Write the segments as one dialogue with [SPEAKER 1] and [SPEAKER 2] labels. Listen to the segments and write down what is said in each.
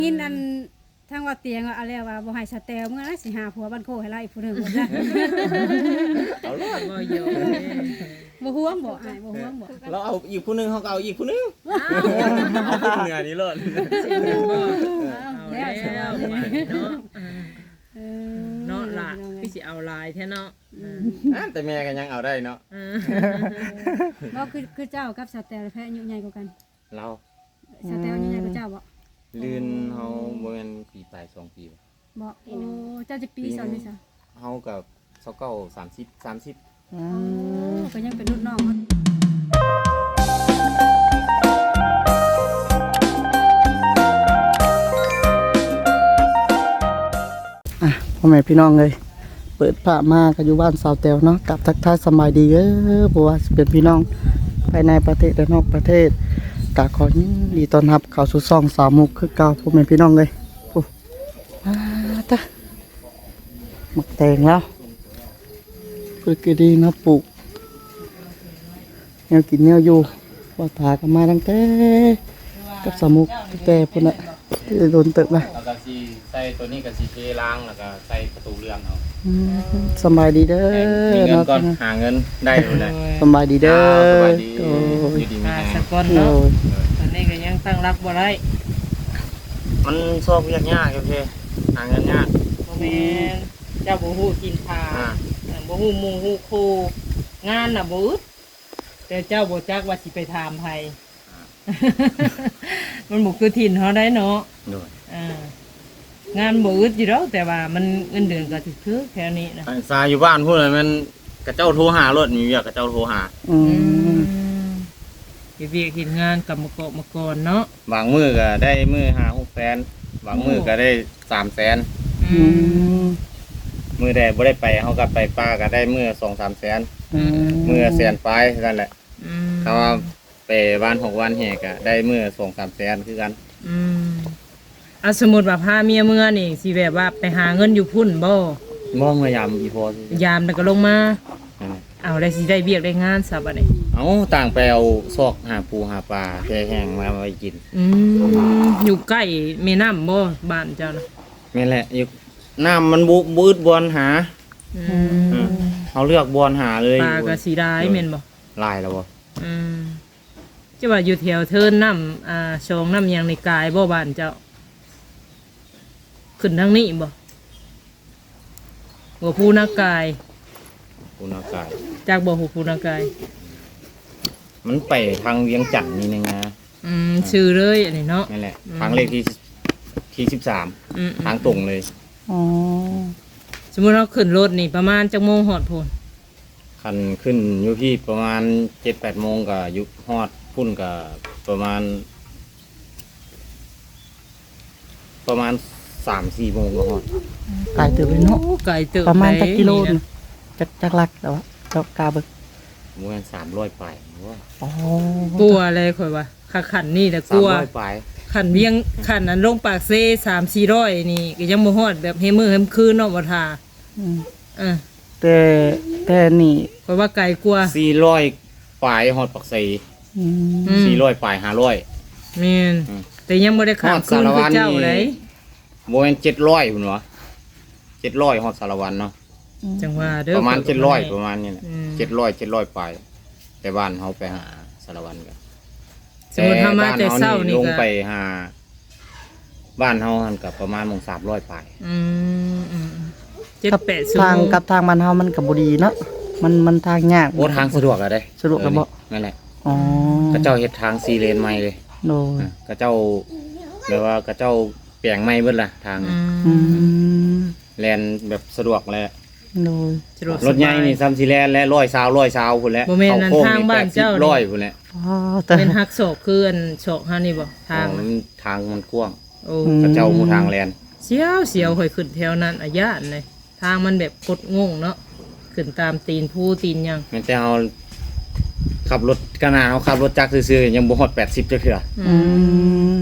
[SPEAKER 1] กินอันทางว่าเตียงอะไรว่าบ่ให้สแตลเมื่อสิหาผัวบ้านโคให้ไล่อีกผู้หนึงบ่จ้ะ
[SPEAKER 2] เอาล่ะบ่เยอะ
[SPEAKER 1] บ่ห่วงบ่อ้ายบ่ห่วงบ่
[SPEAKER 3] เราเอาอีกผู้หนึงเขาก็เอาอีกผู้หนึงเอาผู้เหนือนี่เลย
[SPEAKER 2] บ่
[SPEAKER 1] เอา
[SPEAKER 2] เอา
[SPEAKER 1] แล้
[SPEAKER 2] แล้ว ว
[SPEAKER 1] สบาย
[SPEAKER 2] เนาะ
[SPEAKER 1] เออ
[SPEAKER 2] เนาะล่ะพี่สิเอาลายแท้เนาะ
[SPEAKER 3] แต่แม่ก็ยังเอาได้เนาะ
[SPEAKER 1] บ่คือเจ้ากับสแตลแพ้อายุใหญ่กว่ากัน
[SPEAKER 3] เรา
[SPEAKER 1] สแตลอายุใหญ่กว่าเจ้าบ่
[SPEAKER 3] ลื่นเฮาบ่แม่นปีปลาย2 ปีบ่
[SPEAKER 1] บ่โอ้เจ้าจะปีสอนนี่ซะ
[SPEAKER 3] เฮากับ29 30
[SPEAKER 1] โอ้ก็ยังเป็นรุ่นน้องเขา
[SPEAKER 4] พ่อแม่พี่น้องเลยเปิดผ้ามาก็อยู่บ้านสาวแตวเนาะกับทักทายสบายดีเพราะว่าสิเป็นพี่น้องภายในประเทศและนอกประเทศกะขอยินดีต้อนรับเข้าสู่ช่องสาวมุกคือเก่าพ่อแม่พี่น้องเลยโอ้มาตะหมักแตงแล้วเพื่อกินดีเนาะปลูกแนวกินแนวอยู่ว่าถากันมาตั้งแต่กับสาวมุกตั้งแต่พุ่นน่ะโดนเติบนะ
[SPEAKER 3] แล้วก็สิใส่ตัวนี้ก็สิเทล้างแล้วก็ใส่ประตูเรือนเอา
[SPEAKER 4] สบายดีเด้
[SPEAKER 3] มี
[SPEAKER 4] อ
[SPEAKER 3] เงิน
[SPEAKER 4] เนาะ
[SPEAKER 3] ก่อนหาเงินได้อยู่แหละ
[SPEAKER 4] สบายดีเด้อ
[SPEAKER 3] สบายดี
[SPEAKER 4] โอ้
[SPEAKER 3] อยู่ดีมี
[SPEAKER 2] มา
[SPEAKER 3] แฮ
[SPEAKER 2] สั
[SPEAKER 3] ง
[SPEAKER 2] กก่อน
[SPEAKER 4] โอ้
[SPEAKER 2] เนาะ
[SPEAKER 4] ย
[SPEAKER 2] ตอนนี้ก็ยังตั้งรักบ่ได้
[SPEAKER 3] มันชอบยากๆโอเคหาเงินยาก
[SPEAKER 2] บ่แม่นเจ้าบ่ฮู้กินทา
[SPEAKER 3] อ่า
[SPEAKER 2] บ่ฮู้หมู่ฮู้ครูงานน่ะบ่อึดแต่เจ้าบ่จักว่าสิไปถามไผมันบ่คือถิ่นเฮาได้เนาะ
[SPEAKER 3] ด้วย
[SPEAKER 2] งานบ่อึดอยู่แล้วแต่ว่ามันเงินเดือนก็ถึกๆแค่นี้นะ
[SPEAKER 3] อันซาอยู่บ้านพูดเลยมันกระเจ้าโทรหารถมีเวียกกระเจ้าโทรหา
[SPEAKER 4] อืม
[SPEAKER 2] เฮ็ดเวียกเฮ็ดงานกับมาเกาะมาก่อนเนาะ
[SPEAKER 3] บางมือก็ได้มือ5-6 แสนบางมือก็ได้3 แสน
[SPEAKER 4] อืม
[SPEAKER 3] มือใดบ่ได้ไปเขาก็ไปป้าก็ได้มือ2-3 แสนมือแสนปลายนั่นแหละ
[SPEAKER 2] อืม
[SPEAKER 3] ถ้าว่าไปวัน6 วันแหกก็ได้มือ2-3 แสนคือกัน
[SPEAKER 2] อืมสมมุติว่าพาเมียเมื่อนี่สิแบบว่าไปหาเงินอยู่พุ่นบ่
[SPEAKER 3] มองพยายามอีพอสิ
[SPEAKER 2] ยามแล้วก็ลงมา
[SPEAKER 3] นั่นแหละ
[SPEAKER 2] เอาได้สิได้เวียกได้งานซะบัดนี้
[SPEAKER 3] เอาต่างไปเอาซอกหาปูหาปลาแช่แห้งมาไว้กิน
[SPEAKER 2] อยู่ใกล้แม่น้ำบ่บ้านเจ้านะ
[SPEAKER 3] แม่นแหละอยู่น้ำมันบืดบอลหา
[SPEAKER 2] อืม
[SPEAKER 3] อืมเขาเลือกบอลหาเลย
[SPEAKER 2] ปลาก็สิได้แม่นบ่
[SPEAKER 3] ลายแล้วบ่
[SPEAKER 2] อืมจะว่าอยู่แถวเทินน้ำชองน้ำหยังในกายบ่บ้านเจ้า ขึ้นทางนี้บ่หัวผู้นากาย
[SPEAKER 3] คุณอากาศ
[SPEAKER 2] จากบ่หัวผู้นากาย
[SPEAKER 3] มันไปทางเวียงจันทน์นี่นะ
[SPEAKER 2] ชื่อเลยอันนี้เนาะ
[SPEAKER 3] นั่นแหละทางเลขที่13
[SPEAKER 2] อืม
[SPEAKER 3] ทางตรงเลย
[SPEAKER 4] อ๋อ
[SPEAKER 2] สมมุติเราขึ้นรถนี่ประมาณจักโมงฮอดพุ่น
[SPEAKER 3] คันขึ้นอยู่ที่ประมาณ 7-8 โมงก็ยุฮอดพุ่นก็ประมาณ 3-4 โมงก็ฮอด
[SPEAKER 4] ไก่เติบเลยเนาะ
[SPEAKER 2] โอ้ไกลเติบ
[SPEAKER 4] ประมาณจักกิโล
[SPEAKER 2] นี่
[SPEAKER 4] นึงจักลักแล้วอะเจ้ากาเบิก
[SPEAKER 3] ประมาณ300ปลายว่า
[SPEAKER 4] อ๋อก
[SPEAKER 2] ลัวอะไรข่อยว่าขันนี่แต่กลัว
[SPEAKER 3] 300ปลาย
[SPEAKER 2] ขันเวียงขันนั้นลงปากเซ่300-400นี่ก็ยังบ่ฮอดแบบเฮมือเฮมคืนเนาะบ่ทา
[SPEAKER 4] อืม
[SPEAKER 2] อ่ะ
[SPEAKER 4] แต่นี่
[SPEAKER 2] ข่อยว่าไกลกลัว
[SPEAKER 3] 400ปลายฮอดปักไส
[SPEAKER 4] อืม
[SPEAKER 3] 400ปลาย500
[SPEAKER 2] แม่น
[SPEAKER 3] อืม
[SPEAKER 2] แต่ยังบ่ได้ข้ามคืนคือเจ้าเลย
[SPEAKER 3] บ่แม่น700พุ่นวะ700ฮอดสารวันเนาะ
[SPEAKER 2] จังว่าเด้อ
[SPEAKER 3] ประมาณ
[SPEAKER 2] ข่อย
[SPEAKER 3] 700ประมาณนี้แหละ
[SPEAKER 2] อืม
[SPEAKER 3] 700ปลายแต่บ้านเฮาไปหาสารวันกัน
[SPEAKER 2] สมมุติถ้ามาแต่เช้านี่
[SPEAKER 3] ลง
[SPEAKER 2] ก็
[SPEAKER 3] ไปหาบ้านเฮาหันกับประมาณมง300ปลาย
[SPEAKER 2] อืม7-8ชั่ว
[SPEAKER 4] ทาง
[SPEAKER 2] โมง
[SPEAKER 4] กับทางบ้านเฮามันก็บ่ดีเนาะมันทางยาก
[SPEAKER 3] โอ้ทางสะดวกอะได้
[SPEAKER 4] สะดวกแล้วบ่
[SPEAKER 3] นั่นแหละ
[SPEAKER 4] อ๋อ
[SPEAKER 3] กระเจ้าเฮ็ดทาง4เลนใหม่เลย
[SPEAKER 4] โดย
[SPEAKER 3] กระเจ้าแปลว่ากระเจ้าแปลงใหม่เบิดล่ะทาง
[SPEAKER 4] อืม
[SPEAKER 3] แลนแบบสะดวกเลย
[SPEAKER 4] โดย
[SPEAKER 2] สะดวกสบาย
[SPEAKER 3] รถใหญ่นี่ซ้ำสิแลนและ100 พุ่นแหล้ว
[SPEAKER 2] บ่แม่นนั่น
[SPEAKER 3] เข้โค้
[SPEAKER 2] ทางบ้านเจ้านี่
[SPEAKER 3] 80 100พุ่นแหละ
[SPEAKER 4] อ๋อแต่
[SPEAKER 2] เป็นฮักโศกคืออันโศกฮานี่บ่ทาง
[SPEAKER 3] อ๋อมันทางมันกว้าง
[SPEAKER 2] โอ้
[SPEAKER 3] กระเจ้าหมู่ทางแลน
[SPEAKER 2] เสียวข่อยขึ้นแถวนั้นอาญาตเลยทางมันแบบกดงงเนาะขึ้นตามตีนผู้ตีนหยัง
[SPEAKER 3] แม่นแต่เฮาขับรถขนาดเฮาขับรถจักรซื่อๆยังบ่ฮอด80จักเทื่อ
[SPEAKER 4] อืม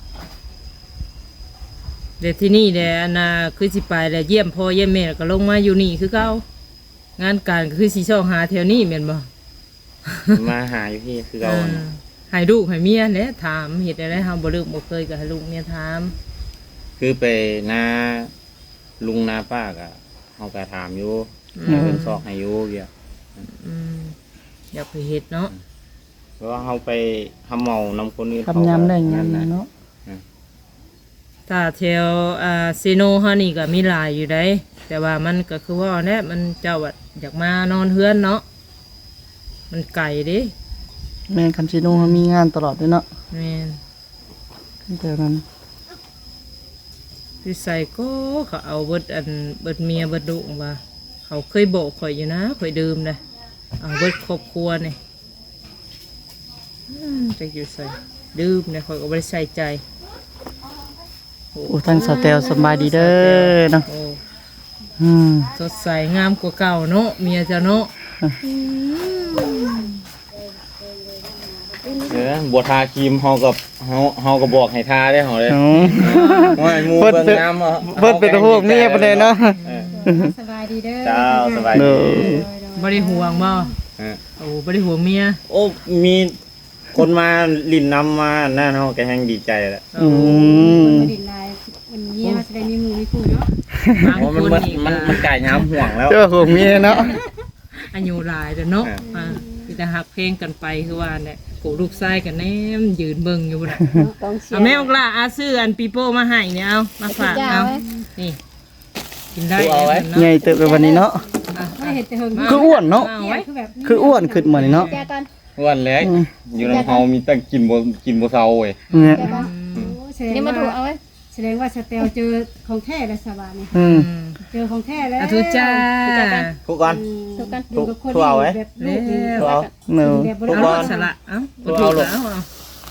[SPEAKER 2] เดี๋ยวที่นี่เดี๋ยวน่ะคือสิไปแล้วเยี่ยมพ่อเยี่ยมแม่แล้วก็ลงมาอยู่นี่คือเก่างานการก็คือสิช่องหาแถวนี้แม่นบ่
[SPEAKER 3] มาหาอยู่พี่คือเรา
[SPEAKER 2] ให้ลูกให้เมียแหละถามเฮ็ดได้เฮาบ่ลืมบ่เคยก็ให้ลูกเมียถาม
[SPEAKER 3] คือไปนาลุงนาป้าก็เฮาก็ถามอยู่เพิ่นซอกให้อยู่เวีย
[SPEAKER 2] อืมอยากไปเฮ็ดเนาะ
[SPEAKER 3] เพราะว่าเฮาไปทำเมานำคนอื่น
[SPEAKER 4] ทำยำได้ยำ
[SPEAKER 3] นะ
[SPEAKER 4] เนาะ
[SPEAKER 2] ถ้าแถวซีโนเฮานี่ก็มีหลายอยู่ได้แต่ว่ามันก็คือว่าแน่มันเจ้าว่าอยากมานอนเฮือนเนาะมันไกลเด้
[SPEAKER 4] แม่นคันซิโนเขามีงานตลอดเลยเนาะ
[SPEAKER 2] แม่น
[SPEAKER 4] แต่นั้น
[SPEAKER 2] พี่ใส่ก็เขาเอาเบิดเบิดเมียเบิดดุว่าเขาเคยบอกข่อยอยู่นะข่อยดื่มนะเอาเบิดครอบครัวนี่จะอยู่ใส่ดื่มเนี่ยข่อยก็บ่ได้ใส่ใจ
[SPEAKER 4] โอ้ทั้งสเตลสบายดีเด้อเนาะ
[SPEAKER 2] โอ้
[SPEAKER 4] อืม
[SPEAKER 2] สดใสงามกว่าเก่าเนาะเมียเจ้าเนาะ
[SPEAKER 3] บัวทาครีมเฮาก็บอกให้ทาได้เฮาเลย
[SPEAKER 4] โอ้
[SPEAKER 3] ว่าหมู่
[SPEAKER 4] เพิ่น
[SPEAKER 3] เบิ่ง
[SPEAKER 4] เป็น
[SPEAKER 3] น้ำ
[SPEAKER 4] เพิ่นเป็นพวกเมียปานใดเนาะ
[SPEAKER 1] สบายดีเด้อ
[SPEAKER 3] เจ้าสบาย
[SPEAKER 4] เด้
[SPEAKER 3] ดี
[SPEAKER 4] อ
[SPEAKER 2] บ่ได้ห่วงบ่
[SPEAKER 3] เออ
[SPEAKER 2] โอ้บ่ได้ห่วงเมีย
[SPEAKER 3] โอ้มีคนมาลินน้ำมานั่นเฮาก็แฮงดีใจแล้ว
[SPEAKER 4] อืม
[SPEAKER 1] บ่ดินลายวันนี้มาแสดงมีหมู่มีคู่เนาะ
[SPEAKER 2] บาง
[SPEAKER 3] เพราะ
[SPEAKER 2] ค
[SPEAKER 3] มัน
[SPEAKER 2] นนี่
[SPEAKER 3] มันกายน้ำห่วงแล้ว
[SPEAKER 4] เจ้าของเมียเนาะ
[SPEAKER 2] อายุหลายแต่เนาะ
[SPEAKER 3] อ่า
[SPEAKER 2] คือจะหักเพลงกันไปคือว่าเนี่ยกูลูกชายกันแนมยืนเบิ่งอยู่น่ะ
[SPEAKER 5] กองเชีย
[SPEAKER 2] เอา
[SPEAKER 5] ร์
[SPEAKER 2] แม่บอกล่ะอาซื้ออันปีโป้มาให้เนี่ยเอามาฝากเอานี่กินได้
[SPEAKER 3] เอาไว้
[SPEAKER 2] เนาะ
[SPEAKER 4] ใหญ่เติบไปวันนี้เนาะ
[SPEAKER 1] ไม่เห็นแต่เฮิง
[SPEAKER 4] คืออ้วนเนาะ
[SPEAKER 2] เอา
[SPEAKER 1] เตี้ย
[SPEAKER 2] ไว้
[SPEAKER 1] คือแบบ
[SPEAKER 4] คืออ้วนขึ้นมานี่เนาะ
[SPEAKER 5] แจกัน
[SPEAKER 3] วันแรกอยู่ในเฮามีแต่กินบ่เซาเว้ย
[SPEAKER 4] เนี่ย
[SPEAKER 5] แจกัน
[SPEAKER 1] โอ้แสดง
[SPEAKER 5] นี่มา
[SPEAKER 1] ว่า
[SPEAKER 5] ถูกเอาไว้
[SPEAKER 1] แสดงว่าสเตลเจอของแท้แล้วสบายนี่
[SPEAKER 4] อืม
[SPEAKER 1] เจอของแท้แล้ว
[SPEAKER 2] อาทุจ้า
[SPEAKER 3] ทุกก่อน
[SPEAKER 5] ถูกกัน
[SPEAKER 1] อยู่กับคน
[SPEAKER 3] ทั่วไว้
[SPEAKER 1] แบบลูกนี่
[SPEAKER 3] ทุกเอา
[SPEAKER 4] เนาะ
[SPEAKER 1] แบบบ่
[SPEAKER 3] ทุ
[SPEAKER 1] ได้
[SPEAKER 3] ก
[SPEAKER 2] เอา
[SPEAKER 3] คน
[SPEAKER 2] สละเอา
[SPEAKER 3] ทุ
[SPEAKER 2] ถู
[SPEAKER 3] ก
[SPEAKER 2] ก
[SPEAKER 3] เอา
[SPEAKER 2] แล้วเอา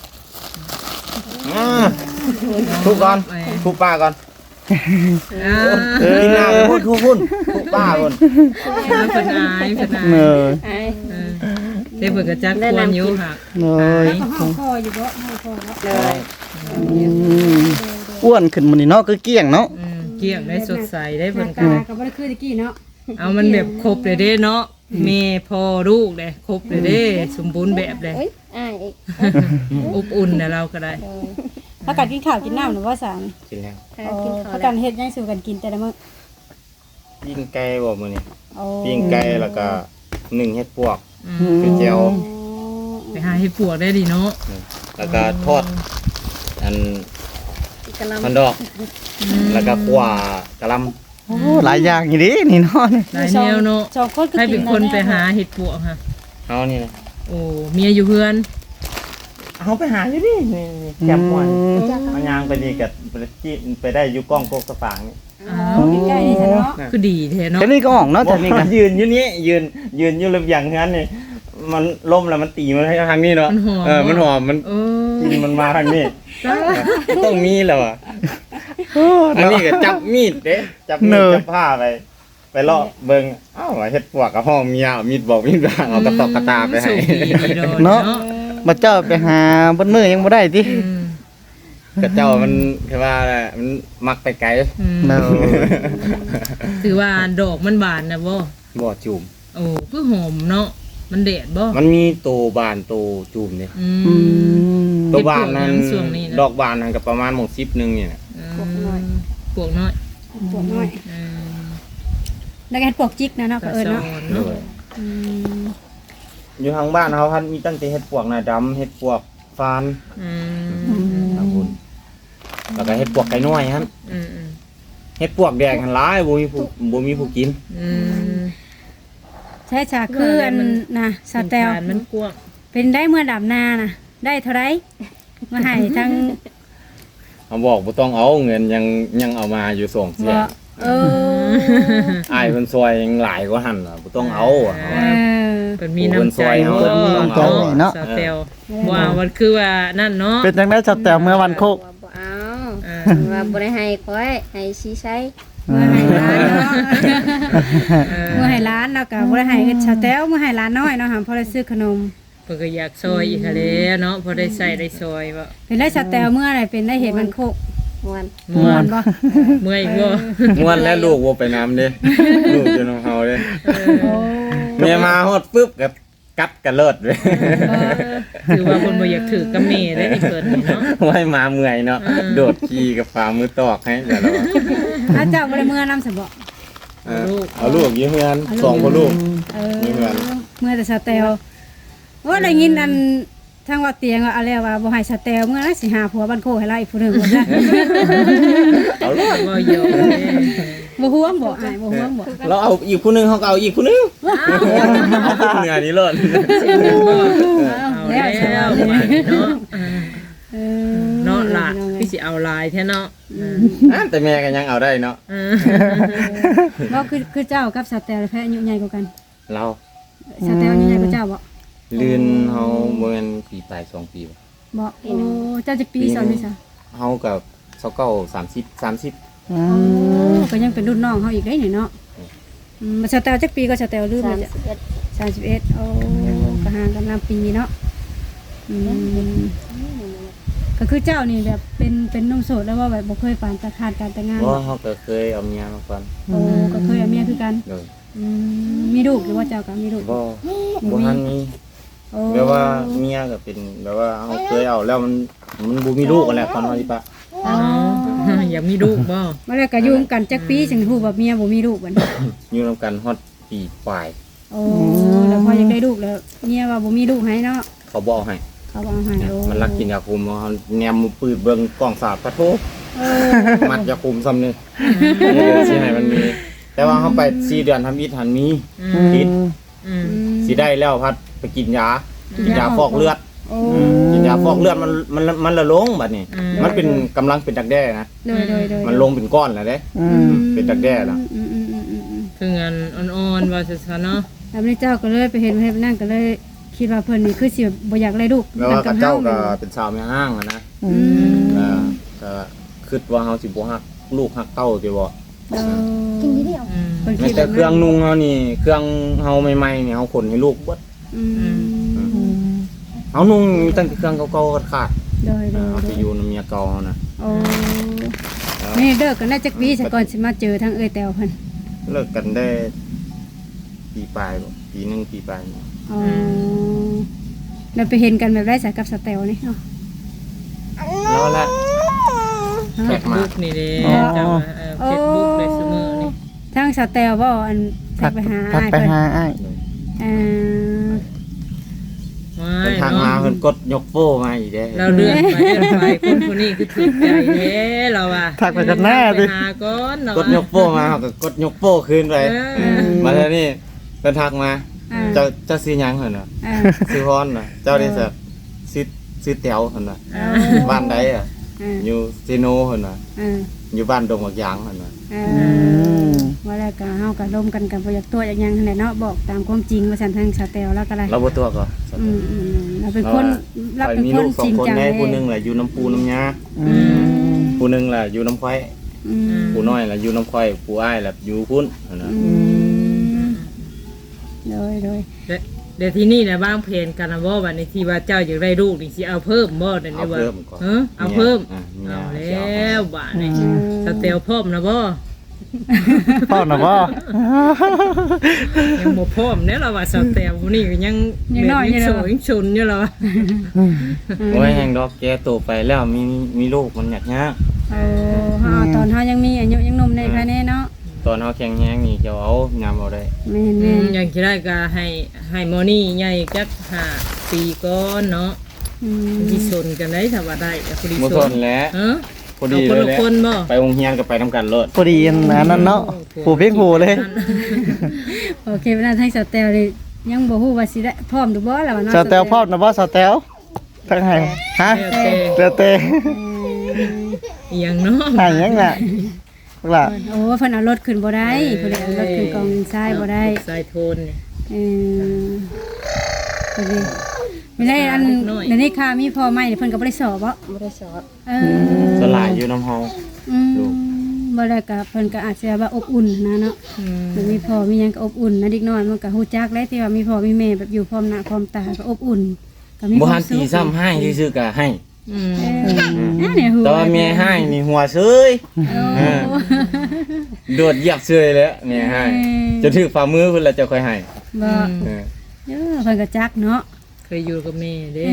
[SPEAKER 3] ทุกก่อนทุกป้าก่อน
[SPEAKER 2] อ่า
[SPEAKER 3] กินน้ำพุ่นทุกป้าพุ่น
[SPEAKER 2] เพิ่นอายเพิ่นอาย
[SPEAKER 4] เนย
[SPEAKER 5] ไอ้
[SPEAKER 2] เออเด้เพิ่นก็จักควรอยู่ค่ะ
[SPEAKER 4] เนย
[SPEAKER 1] แล้วก็ห้องคออยู่บ่ห้องคอบ่
[SPEAKER 5] เลย
[SPEAKER 4] อืมอ้วนขึ้นมานี่เนาะคือเกลี้ยงเนาะ
[SPEAKER 2] เกลี้ยงได้สดใสได้
[SPEAKER 1] ห
[SPEAKER 2] เพิ่
[SPEAKER 1] น้าน
[SPEAKER 2] ก็
[SPEAKER 1] ตาก็บ่ได้คือตะกี้เนาะ
[SPEAKER 2] เอามันแบบครบเลยเด้เนาะแม่พ่อลูกเลยครบเลยเด้สมบูรณ์แบบเลย
[SPEAKER 5] เอ้ยไอ้อีก
[SPEAKER 2] อบอุ่นนะเราก็ได้
[SPEAKER 1] ถ้ากันกินข้าวกินน้ำหรือว่าสาร
[SPEAKER 3] กินแล้ว
[SPEAKER 5] กินข้าว
[SPEAKER 1] ถ้า
[SPEAKER 5] แล้
[SPEAKER 1] กั
[SPEAKER 5] วน
[SPEAKER 1] เฮ็ดหยังสู่กันกินแต่ละมื้อ
[SPEAKER 3] ปิ้งไก่บ่มื้อนี้
[SPEAKER 1] โอ้
[SPEAKER 3] ปิ้งไก่แล้วก็นึ่งเห็ดปวก
[SPEAKER 2] อืม
[SPEAKER 3] คือเจียว
[SPEAKER 2] ไปหาให้ปวกได้ดีเนาะ
[SPEAKER 3] แล้วก็ทอดอัน
[SPEAKER 5] กะล
[SPEAKER 3] มันดอก แล้วก็ขั่วกะหล่ำ
[SPEAKER 4] โอ้หลายอย่างอยู่ดินี่เนาะ
[SPEAKER 2] หลายแนวเนาะ
[SPEAKER 1] สองคนคือ
[SPEAKER 2] ให้
[SPEAKER 1] กิ
[SPEAKER 2] เป็นคนไปหาเห็ดปวกค่ะ
[SPEAKER 3] เฮานี่นะ
[SPEAKER 2] โอ้เมียอยู่เพื่อน
[SPEAKER 3] เฮาไปหาอยู่ดินี่แจ่มม่วนมันย่างไปนี่ก็ไปได้อยู่กล้องโคกสะฝางนี่
[SPEAKER 1] อ๋อใกล้ๆนี่ซะเนาะ
[SPEAKER 2] คือดีแท้เนาะ
[SPEAKER 4] แค่นี้ก็ออกเนาะแต่นี่ก็
[SPEAKER 3] ยืนอยู่นี่ยืนอยู่ระเบียงงั้นนี่มันล่มแล้วมันตีมันให้ทางนี้เนาะ
[SPEAKER 2] มันหอม
[SPEAKER 3] มันหอมมัน
[SPEAKER 2] โอ้
[SPEAKER 3] กินมันมาทางนี้
[SPEAKER 2] จ้า
[SPEAKER 3] ต้องมีแล้วอ่ะอันนี้ก็จับมีดเด้จับมีดจับผ้าไปเลาะเบิ่งอ้าวเฮ็ดปวกกับห้องเมียเอามีดบอกมีดบางเอากระตอกกระตาไปให้
[SPEAKER 2] โชคดีโดนเนาะ
[SPEAKER 4] มาเจ้าไปหาบนมือยังบ่ได้ติ
[SPEAKER 2] อืม
[SPEAKER 3] กระเจ้ามันคือว่าแหละมันมักไปไกล
[SPEAKER 2] อืม
[SPEAKER 4] เนาะ
[SPEAKER 2] ถือว่าดอกมันบานนะบ่
[SPEAKER 3] บ่จุ่ม
[SPEAKER 2] โอ้คือหอมเนาะมันแดดบ่
[SPEAKER 3] มันมีโตบานโตจุ่มนี่
[SPEAKER 2] อื
[SPEAKER 4] อื
[SPEAKER 2] ม
[SPEAKER 4] ม
[SPEAKER 3] โตบานนั้น
[SPEAKER 2] เป็นพวกน้ำส่วงนี่นะ
[SPEAKER 3] ดอกบานนั้นก็ประมาณหมก10นึงนี่นะ
[SPEAKER 2] ปวกน้อยปวกน้อย
[SPEAKER 1] ปวดน้อย
[SPEAKER 2] อืม
[SPEAKER 1] แล้วก็เฮ็ดปวกจิกนะเนาะก็เอิ้นเนาะ
[SPEAKER 2] เนาะ
[SPEAKER 1] อืม
[SPEAKER 3] อยู่ทางบ้านเขาพันมีตั้งแต่เฮ็ดปวกหน้าดำเฮ็ดปวกฟาน
[SPEAKER 2] อืม
[SPEAKER 3] ทางคุณแล้วก็เฮ็ดปวกไก่น้อยครับ
[SPEAKER 2] อืมอืม
[SPEAKER 3] เฮ็ดปวกแดงหันหลายบ่มีผู้กิน
[SPEAKER 2] อืม
[SPEAKER 1] ใช่จ้ะคืออันน่ะสเตล
[SPEAKER 2] มันกว้าง
[SPEAKER 1] เป็นได้เมื่อดำนาน่ะ ได้เท่าไรมาให้ทั้ง
[SPEAKER 3] เขาบอกบ่ต้องเอาเงินยังเอามาอยู่ส่งเสีย
[SPEAKER 1] บ่เออ
[SPEAKER 3] อ้ายเพิ่นซอยยังหลายกว่าหั่นน่ะบ่ต้องเอาอะ
[SPEAKER 1] เออ
[SPEAKER 2] เป็นมีน้ำใจ
[SPEAKER 3] เพิ่
[SPEAKER 2] เนาะ
[SPEAKER 3] นมีน้ำใจ
[SPEAKER 4] เนาะ
[SPEAKER 2] สเตลว่ามันคือว่านั่นเนาะ
[SPEAKER 4] เป็นจังได๋สแตลเมื่อวันโคก
[SPEAKER 5] บ่เอา
[SPEAKER 2] อ่า
[SPEAKER 5] ว่าบ่ได้ให้ค่อยให้ชีใช้
[SPEAKER 1] เมื่อให้ร้านเนาะเมื่อให้ร้านแล้วก็บ่ได้ให้สเตลเมื่อให้ร้านน้อยเนาะหาพอได้ซื้อขนม
[SPEAKER 2] เพิ่นก็อยากซอยอีกค่ะแล้วเนาะพอได้ใส่ได้ซอยบ่
[SPEAKER 1] เป็นได้สเตลเมื่อไหร่เป็นได้เห็นมันโคก
[SPEAKER 5] ม่วน
[SPEAKER 1] ม่วนบ่
[SPEAKER 2] เมื่อยบ่
[SPEAKER 3] ม่วนแล้วลูกบ่ไปน้ำเด้ลูกอยู่นำเฮาเด้
[SPEAKER 1] โอ้
[SPEAKER 3] แม่มาฮอดปึ๊บก็กัดกันเลิศเลย
[SPEAKER 2] ถือว่าคนบ่อยากถือกับแม่ได้เกิดนี่เนาะ
[SPEAKER 3] ไว้มาเมื่อยเนาะโดดขี่กับฝ่ามือตอกให้แต่ละวัน
[SPEAKER 1] อาเจ้าบ่ได้เมื่อนำซะบ่
[SPEAKER 3] เอาลูกยืมเงินสองคนลูก
[SPEAKER 1] เออ
[SPEAKER 3] มีเงิน
[SPEAKER 1] เมื่อแต่สแตลว่าได้ยินอันทางว่าเตียงว่าอะไรว่าบ่ให้สแตลเมื่อนั้นสิหาผัวบ้านโคให้ไล่ผู้หนึงว่าซะ
[SPEAKER 3] เอาลูก
[SPEAKER 2] บ่ยอม
[SPEAKER 1] บ่ห่วงบ่อ้ายบ่ห่วงบ่
[SPEAKER 3] เราเอาอีกคนนึงเขาก็เอาอีกคนนึงเอาคนเหนือนี่เลิศ
[SPEAKER 2] เอาแล้วเนาะ
[SPEAKER 1] เออ
[SPEAKER 2] เนาะล่ะพี่สิเอาลายแท้เนาะ
[SPEAKER 3] แต่แม่ก็ยังเอาได้เนาะ
[SPEAKER 1] บ่คือเจ้ากับสแตลแพ้อายุใหญ่กว่ากัน
[SPEAKER 3] เรา
[SPEAKER 1] สแตลอายุใหญ่กว่าเจ้าบ่
[SPEAKER 3] ลื่นเฮาเมื่อปีปลาย2 ปี
[SPEAKER 1] บ่โอ้เจ้าจักปีสอนนี่ซะ
[SPEAKER 3] เฮากับ30
[SPEAKER 1] โอ้ก็ยังเป็นรุ่นน้องเฮาอีกได้นี่เนาะมาสแตลจักปีก็สแตลลืมเลยจ้ะ
[SPEAKER 5] 31
[SPEAKER 1] 31โอ้ก็ห่างกันนำปีเนาะก็คือเจ้านี่แบบเป็นนุ่มโสดแล้วว่าแบบบ่เคยผ่านตาขาดการแต่งงาน
[SPEAKER 3] ว่าเขาก็เคยเอาเมียมาก่อน
[SPEAKER 1] โอ้ก็เคยเอาเมียคือกัน
[SPEAKER 3] เลย
[SPEAKER 1] มีลูกหรือว่าเจ้าก็มีลูก
[SPEAKER 3] บ่ทันมี
[SPEAKER 1] โอ้
[SPEAKER 3] แบบว่าเมียก็เป็นแบบว่าเขาเคยเอาแล้วมันบ่มีลูกกันแหละตอนเฮาสิปะ
[SPEAKER 2] อยากมีลูกบ่
[SPEAKER 1] มาแล้วก็อยู่กันจักปีจึงฮู้ว่าเมียบ่มีลูกบัดนี้
[SPEAKER 3] อยู่นำกันฮอดปีปลาย
[SPEAKER 1] โอ้แล้วพอยังได้ลูกแล้วเมียว่าบ่มีลูกให้เนาะ
[SPEAKER 3] เขาบ่เอาให้
[SPEAKER 1] เขาบ่เอาให้โอ้
[SPEAKER 3] มันรักกินยาคุมเขาแนมมือปืดเบิ่งกล้องสาบกระโทก
[SPEAKER 1] เออ
[SPEAKER 3] มัดยาคุมซ้ำนี่สิให้มันมี แต่ว่าเขาไป4 เดือนทำอิฐหันมีติด สิได้แล้วพัดไปกินยาฟอกเลือด
[SPEAKER 1] โอ้
[SPEAKER 3] กินยาฟอกเลือดมันละลงบัดนี้มันเป็นกำลังเป็นดักแด้นะ
[SPEAKER 1] โดย
[SPEAKER 3] มันลงเป็นก้อนแล้วเด้เป็นดักแด้แล้ว
[SPEAKER 2] คืองานอ่อนๆว่าซั่นเนาะ
[SPEAKER 1] แล้วนี่เจ้าก็เลยไปเห็นนั่นก็เลยคิดว่าเพิ่นนี่คือสิบ่อยากได้ลูก
[SPEAKER 3] แล้วว่ากับเจ้าก็เป็นสาวแม่ห้างอะนะก็คิดว่าเฮาสิบ่ฮักลูกฮักเต้าสิบ่
[SPEAKER 5] กินนิดเดียว
[SPEAKER 1] เพิ่น
[SPEAKER 3] แม้
[SPEAKER 1] คิด
[SPEAKER 3] แต่เครื่องนุ่งเฮานี่เครื่องเฮาใหม่ๆนี่เฮาขนให้ลูกเบิดเฮานุ่งมีตั้งแต่เครื่องเก่าๆขาด
[SPEAKER 1] โดย
[SPEAKER 3] ๆเอาไปอยู่นำเมียเก่าเฮานะ
[SPEAKER 1] โอ้นี่เลิกกันได้จักปีซะก่อนสิมาเจอทางเอ้ยแตวเพิ่น
[SPEAKER 3] เลิกกันได้ปีปลายบ่ปีหนึงปีปลายนี่
[SPEAKER 1] อ๋อแล้วไปเห็นกันแบบได้สายกับสแตลนี่เนาะ
[SPEAKER 3] แล้วแหละ
[SPEAKER 2] เฟซบุ๊กนี่เด้เจ้าเฟซบุ๊กได้เสมอนี่
[SPEAKER 1] ทางสแตลบ่อันทักไปหา
[SPEAKER 4] ทัก
[SPEAKER 1] อ้าย
[SPEAKER 4] ไป
[SPEAKER 1] เพิ่น
[SPEAKER 4] หาอ้าย
[SPEAKER 1] เอ่อ
[SPEAKER 3] เดินทางมาเพิ่นกดยกโป้มาอีกเด้
[SPEAKER 2] เราเลื่อนไปคนคนนี้คือถูกใจเด้เราอ่ะ
[SPEAKER 4] ทักไปกันหน้าดิ
[SPEAKER 2] หาก่อนเนาะ
[SPEAKER 3] กดยกโป้มาเขาก็กดยกโป้คืนไปมาแล้วนี่เพิ่นทักมาเจ้าซื้อหยังหั่นน่ะ
[SPEAKER 1] อ่า
[SPEAKER 3] ซื้อฮ้อนน่ะเจ้าได้สักซื้อแต๋วหั่นน่ะบ้านใดอ่ะอยู่เซโนหั่นน่ะ
[SPEAKER 1] อ่า
[SPEAKER 3] อยู่บ้านดงบักยางหั่นน่ะ
[SPEAKER 1] ว่าแล้วก็เฮาก็ร่วมกันกับบ่อยากตัวอยากหยังนั่นแหละเนาะบอกตามความจริงว่าซั่นทางสแตลแล้วก็ได้
[SPEAKER 3] เราบ่ตัวก็
[SPEAKER 1] เราเป็นคนเราเป็น
[SPEAKER 3] มี
[SPEAKER 1] ค
[SPEAKER 3] ลู
[SPEAKER 1] น
[SPEAKER 3] กสอ
[SPEAKER 1] จริ
[SPEAKER 3] ง
[SPEAKER 1] ง
[SPEAKER 3] คน
[SPEAKER 1] จัง
[SPEAKER 3] แม่
[SPEAKER 1] เลย
[SPEAKER 3] ผู้หนึงแหละอยู่น้ำปูน้ำยาผู้หนึงแหละอยู่น้ำควายผู้น้อยแหละอยู่น้ำควายผู้อ้ายแหละอยู่พุ่นหั่นน่ะ
[SPEAKER 1] โดย
[SPEAKER 2] เดี๋ยวที่นี่นะบ้างเพลนกันนะบ่บัดนี้ที่ว่าเจ้าอยากได้ลูกนี่สิเอาเพิ่มบ่เดี๋ยวนี้ว่าเอาเพิ่มเอาแล้วบ้านนี่สเตลพร้อมนะบ่
[SPEAKER 4] พ่อนะบ่
[SPEAKER 2] ยังบ่พร้อมเด้เราว่าสเตลผู้นี้ก็ยังโสดยังชุนอยู่แล้ว
[SPEAKER 3] โอ้ยแห่งดอกแกโตไปแล้วมีลูกมันยากยาก
[SPEAKER 1] เฮาตอนเฮายังมีอายุยังหนุ่มในภายในเนาะ
[SPEAKER 3] ตอนเฮาแข็งแรงนี่จะเอายามเอาได้
[SPEAKER 1] แม่น
[SPEAKER 2] อย่างที่ได้ก็ให้หมอนี่ใหญ่จัก5 ปีก่อนเนาะที่สนกันได้ถ้าว่าได้ก็พอดี
[SPEAKER 3] บ่
[SPEAKER 2] ส
[SPEAKER 3] ท
[SPEAKER 2] น
[SPEAKER 3] นแล้ว
[SPEAKER 2] เออ
[SPEAKER 3] พอดี
[SPEAKER 2] คน
[SPEAKER 3] เลย
[SPEAKER 2] ละ
[SPEAKER 3] แหละ
[SPEAKER 2] คนบ่
[SPEAKER 3] ไปโรงเรียนก็ไปนํกันโลด
[SPEAKER 4] พอดีอันนั้นเนาะผู้เพ่งผู้เลย
[SPEAKER 1] โอเคเวลาทางสแตลนี่ยังบ่ฮู้ว่าสิได้พร้อมหรือบ่ล่ะว่าเนาะ
[SPEAKER 4] สาวแตวพ่อนะบ่สาวแตวทักให้ฮะ
[SPEAKER 2] แล้วแต่
[SPEAKER 4] เตเต
[SPEAKER 2] อีหยังเนาะ
[SPEAKER 4] ให้ยังน่ะล่ะ
[SPEAKER 1] โอ้เพิ่นเอารถขึ้นบ่ได้เพิ่นเอารถขึ้นกองทรายบ่ได้
[SPEAKER 2] สายโทนนี่
[SPEAKER 1] พอดีไม่ได้อันเดี๋ยวนี้ค่ะมีพ่อใหม่เพิ่นก็บ่ได้สอบบ่
[SPEAKER 5] บ่ได้สอบ
[SPEAKER 3] สลายอยู่น้ำเฮา
[SPEAKER 1] บ่ได้ก็เพิ่นก็อาจจะว่าอบอุ่นนะเนาะมันมีพ่อมีหยังก็อบอุ่นนะเด็กน้อยมันก็ฮู้จักแล้วที่ว่ามีพ่อมีแม่แบบอยู่พร้อมหน้าพร้อมตาก็อบอุ่นก็มี
[SPEAKER 3] บ่
[SPEAKER 1] ควา
[SPEAKER 3] หั
[SPEAKER 1] ม
[SPEAKER 3] น
[SPEAKER 1] สุ
[SPEAKER 3] ตี
[SPEAKER 1] ข
[SPEAKER 3] ซ้ำให้ซื่อๆก็ให้
[SPEAKER 1] เนี่ยฮู้
[SPEAKER 3] แต่ว่าแม่ให้นี่หัวเซยโดดเหยียบเซยแล้วแม่ให้จะถือฝ่ามือเพิ่นแล้วจะค่อยให้
[SPEAKER 1] บ่เพิ่นก็จักเนาะ
[SPEAKER 2] เคยอยู่กับแม่เด้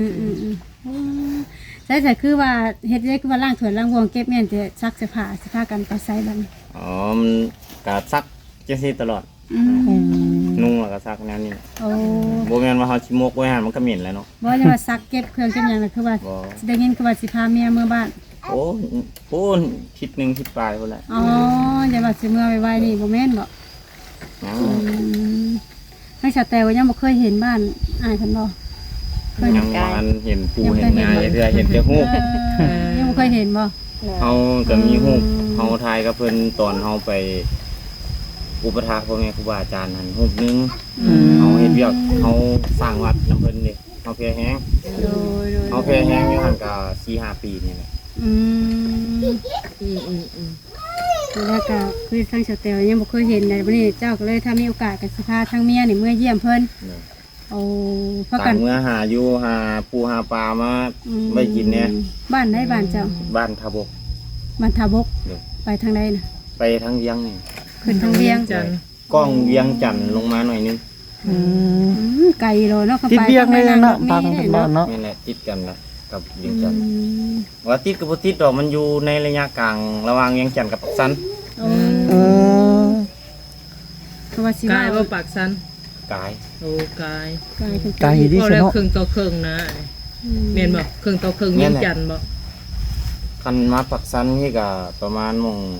[SPEAKER 1] แต่คือว่าเฮ็ดได้คือว่าล้างถ้วยล้างวงเก็บแม่นจะซักเสื้อผ้าสิพากันไปใส่บัดนี้
[SPEAKER 3] อ๋อมันก็ซักจังซี่ตลอดนุ่งแล้วก็ซักแนวนี้
[SPEAKER 1] โอ้
[SPEAKER 3] บ่แม่นว่าเฮาสิมกไว้หั่นมันก็เหม็นแหล้วเนาะ
[SPEAKER 1] บ่จะว่าซักเก็บเครื่องเก็บหยังน่ะคือว่า
[SPEAKER 3] บ่
[SPEAKER 1] สิได้ยินคือว่าสิพาเมียเมื่อบ้าน
[SPEAKER 3] โอ้โหทิศหนึงทิศปลายพุ่นแหละ
[SPEAKER 1] อ๋ออย่าว่าสิเมื่อไวๆนี่บ่แม่นบ่
[SPEAKER 3] อ๋อ
[SPEAKER 1] ให้ชาวแตวยังบ่เคยเห็นบ้านอ้ายเพิ่นบ่เคย
[SPEAKER 3] ยังมันเห็นปูเห็นงาเทื่อเห็นแต่ฮูก
[SPEAKER 1] ยังบ่เคยเห็นบ่
[SPEAKER 3] เฮาก็มีฮูกเฮาทายกับเพิ่นตอนเฮาไปอุปถากพ่อแม่ครูบาอาจารย์หั่นฮูกนึงเฮาเฮ็ดเวียกเฮาสร้างวัดนํเพิ่นนี่เฮาแพ้แฮง
[SPEAKER 1] โดย
[SPEAKER 3] เฮาแพ้แฮงอยู่หั่นก็ 4-5 ปีนี่แหละ
[SPEAKER 1] แล้วก็คือทางชาวแตวยังบ่เคยเห็นในวันนี้เจ้าก็เลยถ้ามีโอกาสก็สิพาทางเมียนี่เมื่อเยี่ยมเพิ่นเอาพากั
[SPEAKER 3] ต่าน งเมื่อหาอยู่หาปูหาปลามาไว้กินเนี่ย
[SPEAKER 1] บ้านได้บ้านเจ้า
[SPEAKER 3] บ้านทาบก
[SPEAKER 1] บ้านทาบก
[SPEAKER 3] เดี๋ยว
[SPEAKER 1] ไปทางใดน่ะ
[SPEAKER 3] ไปทางเวียงนี่
[SPEAKER 1] ขึ้นทางเวียง
[SPEAKER 2] จันทร์
[SPEAKER 3] กล้องเวียงจันทน์ลงมาหน่อยนึง
[SPEAKER 1] ไกลโลเนาะเข้า
[SPEAKER 4] ติด
[SPEAKER 1] ไป
[SPEAKER 4] เบี้ยงเลยเนาะ
[SPEAKER 1] ทา
[SPEAKER 4] ทาง ง
[SPEAKER 1] นี้
[SPEAKER 4] บ้านเนาะ
[SPEAKER 3] นี่แหละติดกันนะกับเวียงจันทน์ว่าติดกับบ่ติดดอกมันอยู่ในระยะกลางระหว่างเวียงจันทน์กับปักสัน
[SPEAKER 1] โอ้
[SPEAKER 4] อืม
[SPEAKER 1] คือว่าสิ
[SPEAKER 2] กายบ่ปากสัน
[SPEAKER 3] กาย
[SPEAKER 2] โอ้กาย
[SPEAKER 1] ไกลถึง
[SPEAKER 4] ไกลดิ
[SPEAKER 2] พอ
[SPEAKER 4] ซะ
[SPEAKER 2] แล้ว
[SPEAKER 4] เนาะ
[SPEAKER 2] ครึ่งต่อครึ่งนะแม่นบ่ครึ่งต่อครึ่งเวียงจันทน์บ่
[SPEAKER 3] คันมาปักสันนี่ก็ประมาณมง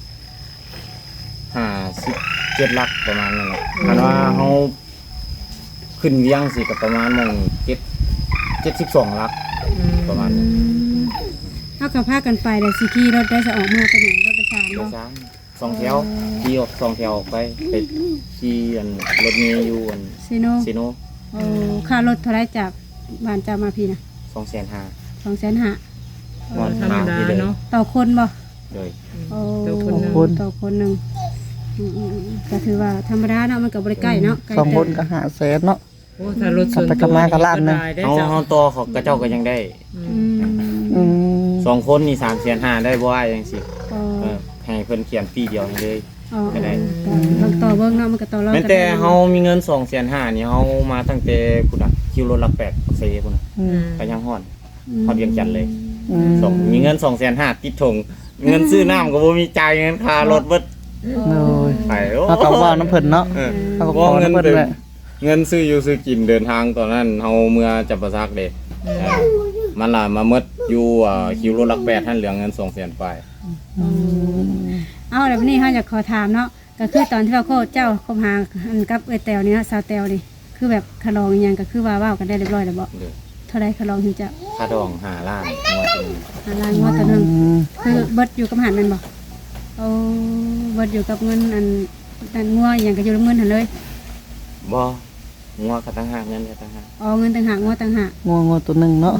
[SPEAKER 3] 57ลักประมาณนั้นแหละคันว่าเฮาขึ้นเวียงสิก็ประมาณมง72ลักประมาณนั้น
[SPEAKER 1] เฮาก็พากันไปได้สิขี่รถได้จะออกมาไปไหนรถไปสาม
[SPEAKER 3] รถ
[SPEAKER 1] เนาะ
[SPEAKER 3] สามสองแถวขี่ออกสองแถวออกไปขี่อันรถเมย์อยู่อัน
[SPEAKER 1] ซิโน
[SPEAKER 3] ซีโน
[SPEAKER 1] โอ้ค่ารถเท่าไรจากบ้านเจ้ามาพี่น่ะ
[SPEAKER 3] 250,000
[SPEAKER 1] 250,000
[SPEAKER 3] นอน
[SPEAKER 2] ธรรมดาเนาะ
[SPEAKER 1] ต่อคนบ่
[SPEAKER 3] เลย
[SPEAKER 1] โอ้
[SPEAKER 2] ต่อคนหนึ่ง
[SPEAKER 1] ต่อคนหนึ่งก็ถือว่าธรรมดาเนาะมันก็บ่ได้ใกล้เนาะใกล้
[SPEAKER 4] สอง
[SPEAKER 1] แต่
[SPEAKER 4] คนก็500,000เนาะ
[SPEAKER 2] โอ้ถ้ารถส่วน
[SPEAKER 4] กลับไปกลับมาก็ล้านหนึ่ง
[SPEAKER 2] ได้
[SPEAKER 3] เอา
[SPEAKER 2] เจ้า
[SPEAKER 3] เฮาต่อเขากระเจ้าก็ยังได้
[SPEAKER 1] อืม
[SPEAKER 4] อืม
[SPEAKER 3] 2 คนนี่350,000ได้บ่ว่าจังซี่
[SPEAKER 1] อ๋อ
[SPEAKER 3] ให้เพิ่นเขียนปีเดียวให้เลย
[SPEAKER 1] อ๋อ
[SPEAKER 3] ไม่ได้
[SPEAKER 1] ก็ต่อเบิ่งเนาะมันก็ต่อรอง
[SPEAKER 3] แม้
[SPEAKER 1] กัน
[SPEAKER 3] แต่เฮามีเงิน250,000นี่เฮามาตั้งแต่พุ่นน่ะคิวรถละ8เซพุ่นน่ะ
[SPEAKER 4] อืม
[SPEAKER 3] ก็ยังฮ้อนฮอดเวียงจันทน์เลย
[SPEAKER 4] อืม
[SPEAKER 3] มีเงิน250,000ติดถงเงินซื้อน้ำก็บ่มีจ่ายเงินค่ารถเบิด
[SPEAKER 4] โอ้ย
[SPEAKER 3] ไปโอ้
[SPEAKER 4] เอาก็ว่าน้ำเพิ่นเนาะ
[SPEAKER 3] เออ
[SPEAKER 4] เอาก็ข
[SPEAKER 3] ว่า
[SPEAKER 4] อ
[SPEAKER 3] เงิน
[SPEAKER 4] น้ำเพิ่น
[SPEAKER 3] เดือ
[SPEAKER 4] แห
[SPEAKER 3] น
[SPEAKER 4] ละ
[SPEAKER 3] เงินซื้ออยู่ซื้อกินเดินทางตอนนั้นเฮาเมื่อจับประซักเด็มันล่ะมาหมดอยู่คิวรถลัก8ท่านเหลือเงิน200,000ไป
[SPEAKER 1] เอาแล้ววันนี้เฮาอยากขอถามเนาะก็คือตอนที่ว่าโคเจ้าคบหาอันกับเอ้ยแตวนี่เนาะสาวแตวนี่คือแบบคลองอิหยังก็คือว่าเว้ากันได้เรียบร้อยแล้วบ่
[SPEAKER 3] เด้อ
[SPEAKER 1] เท่าใดคลองถึงจะ
[SPEAKER 3] ค่าดอง5ล้านงวดนึง
[SPEAKER 1] หาล้านงวดต่อหนึง
[SPEAKER 4] อืม
[SPEAKER 1] คือเบิดอยู่กับหันแม่นบ่เอาเบิดอยู่กับเงินอันงัวอิหยังก็อยู่กับเงินหั่นเลย
[SPEAKER 3] บ่งวดก็ตั้งหากเงินก็ตั้งหาก
[SPEAKER 1] อ๋อเงินต่างหากงัวต่างหาก
[SPEAKER 4] งัวตัวหนึงเนาะ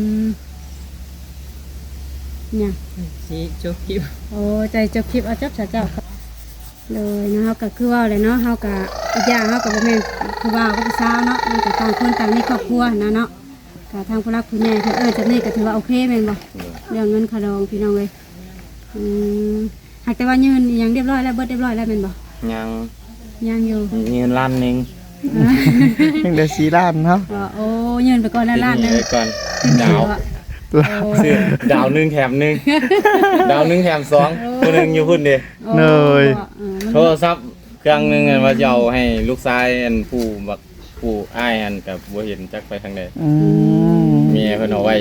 [SPEAKER 1] เนี่ย
[SPEAKER 2] สิจบคลิป
[SPEAKER 1] โอ้ใจจบคลิปเอาจบซะเจ้าเลยเนาะเฮาก็คือว่าเลยเนาะเฮาก็อีกอย่างเฮาก็บ่แม่นผู้บ่าวกับผู้สาวเนาะมันก็ต่างคนต่างมีครอบครัวนะเนาะก็ทางผู้รักผู้ใหญ่เพิ่นจังนี้ก็ถือว่าโอเคแม่นบ่เรื่องเงินค่าดองพี่น้องเอ้ยหากแต่ว่ายืนอิหยังเรียบร้อยแล้วเบิดเรียบร้อยแล้วแม่นบ่
[SPEAKER 3] ยัง
[SPEAKER 1] ยังอยู่
[SPEAKER 3] มีเงินล้านหนึง
[SPEAKER 4] ยังได้4ล้านเนาะ
[SPEAKER 1] โอ้ยืนไปก่อนแล้วล้านหนึง
[SPEAKER 3] ไว้ก่อนดาว
[SPEAKER 4] ตัว
[SPEAKER 3] ซื้อดาวหนึงแถมหนึงดาวหนึงแถมสองผู้หนึงอยู่พุ่นเด้
[SPEAKER 4] เนย
[SPEAKER 3] โทรศัพท์เครื่องหนึงอันว่าจะเอาให้ลูกชายอันผู้อ้ายอันกับบ่เห็นจักไปทางใด
[SPEAKER 4] อืม
[SPEAKER 3] เมียเพิ่นเอาไว้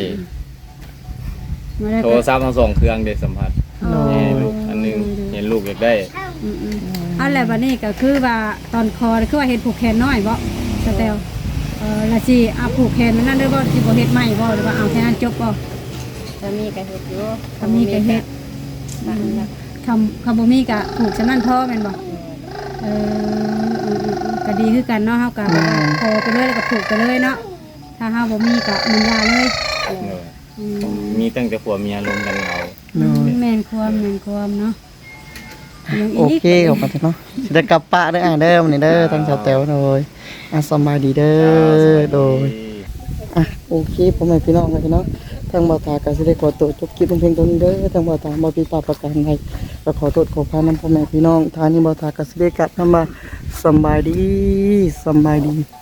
[SPEAKER 3] โทรศัพท์ทั้งสองเครื่องได้สัมผัสให้ลูกอันหนึงเห็นลูกอยากได้
[SPEAKER 1] เอาแล้วบัดนี้ก็คือว่าตอนคอคือว่าเฮ็ดผูกแขนน้อยบ่สแตลละสิเอาผูกแขนมันนั่นเด้อบ่สิบ่เฮ็ดใหม่บ่หรือว่าเอาแค่นั้นจบบ่
[SPEAKER 5] จะมีกระเฮ็ดอยู่
[SPEAKER 1] คำนี้ก็เฮ็ด
[SPEAKER 5] บ้านละ
[SPEAKER 1] คำบ่มีก็ผูกสำนั้นพอแม่นบ่ก็ดีคือกันเนาะเฮาก็พอไปเลยแล้วก็ผูกไปเลยเนาะถ้าเฮาบ่มีก็มันยาเลย
[SPEAKER 3] มีตั้งแต่ผัวเมียรวมกันเอา
[SPEAKER 1] แม่นความเนาะยัง
[SPEAKER 4] โอ
[SPEAKER 1] อีก
[SPEAKER 4] เคขอบคุณเนาะสิได้กลับปะเด้อเด้อมื้อนี้เด้อทางชาวแต๋วโดยสำบายดีเด้อโดยโอเคพ่อแม่พี่น้องเลยเนาะทางบ่าวตาก็สิได้ขอตัวจบคลิปเพียงเท่านี้เด้อทางบ่าวตาบ่ผิดพลาดประการใดก็ขอโทษขออภัยนำพ่อแม่พี่น้องทางนี้บ่าวตาก็สิได้กลับนำมาสำบายดี